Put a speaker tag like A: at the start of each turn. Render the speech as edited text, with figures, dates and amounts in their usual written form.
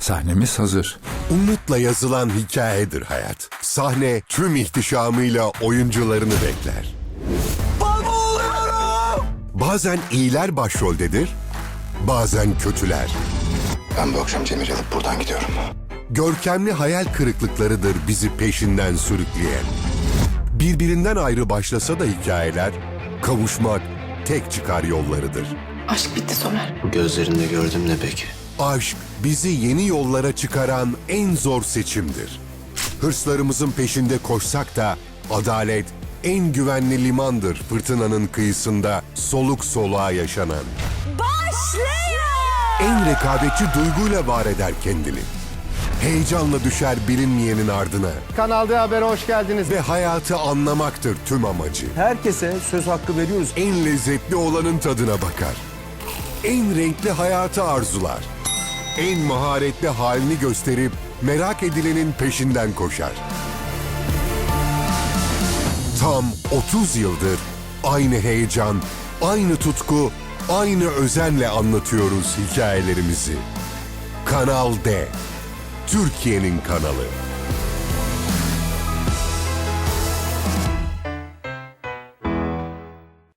A: Sahnemiz hazır.
B: Umutla yazılan hikayedir hayat. Sahne tüm ihtişamıyla oyuncularını bekler.
C: Baba oluyorum!
B: Bazen iyiler başroldedir, bazen kötüler.
D: Ben bu akşam Cemil'i alıp buradan gidiyorum.
B: Görkemli hayal kırıklıklarıdır bizi peşinden sürükleyen. Birbirinden ayrı başlasa da hikayeler, kavuşmak tek çıkar yollarıdır.
E: Aşk bitti Somer.
D: Bu gözlerinde gördüm ne peki?
B: Aşk bizi yeni yollara çıkaran en zor seçimdir. Hırslarımızın peşinde koşsak da adalet en güvenli limandır fırtınanın kıyısında soluk soluğa yaşanan.
E: Başlıyor!
B: En rekabetçi duyguyla var eder kendini. Heyecanla düşer bilinmeyenin ardına
C: Kanal D Haber'e hoş geldiniz.
B: ve hayatı anlamaktır tüm amacı.
C: Herkese söz hakkı veriyoruz.
B: En lezzetli olanın tadına bakar. En renkli hayatı arzular. En maharetli halini gösterip merak edilenin peşinden koşar. Tam 30 yıldır aynı heyecan, aynı tutku, aynı özenle anlatıyoruz hikayelerimizi. Kanal D, Türkiye'nin kanalı.